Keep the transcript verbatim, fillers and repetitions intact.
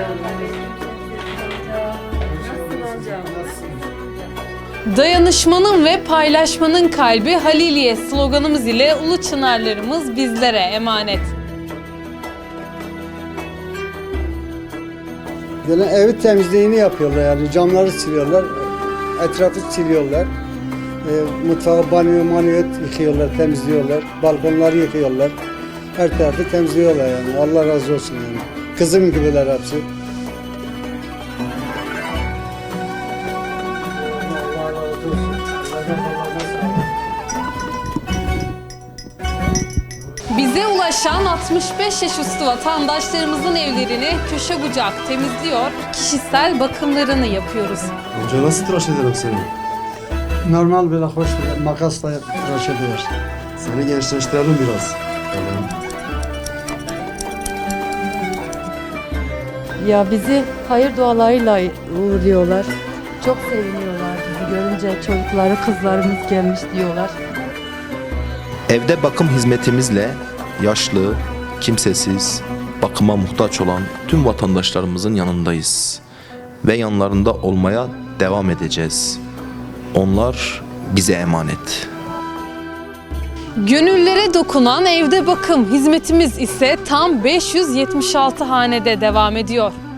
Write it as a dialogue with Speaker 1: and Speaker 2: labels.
Speaker 1: Dayanışmanın ve paylaşmanın kalbi Haliliye sloganımız ile ulu çınarlarımız bizlere emanet.
Speaker 2: Yani evi temizliğini yapıyorlar, yani camları siliyorlar, etrafı siliyorlar. E, mutfağı, banyo, manyo yıkıyorlar, temizliyorlar, balkonları yıkıyorlar. Her tarafı temizliyorlar yani. Allah razı olsun yani. Kızım gibiler hepsi. Allah razı olsun.
Speaker 1: Bize ulaşan altmış beş yaş üstü vatandaşlarımızın evlerini köşe bucak temizliyor, kişisel bakımlarını yapıyoruz.
Speaker 3: Amca nasıl tıraş ederim seni?
Speaker 2: Normal böyle hoş bir makasla tıraş ediyor.
Speaker 3: Seni gençleştirelim biraz. Tamam.
Speaker 4: Ya bizi hayır dualarıyla uğurluyorlar. Çok seviniyorlar bizi görünce, çocukları, kızlarımız gelmiş diyorlar.
Speaker 5: Evde bakım hizmetimizle yaşlı, kimsesiz, bakıma muhtaç olan tüm vatandaşlarımızın yanındayız ve yanlarında olmaya devam edeceğiz. Onlar bize emanet.
Speaker 1: Gönüllere dokunan evde bakım hizmetimiz ise tam beş yüz yetmiş altı hanede devam ediyor.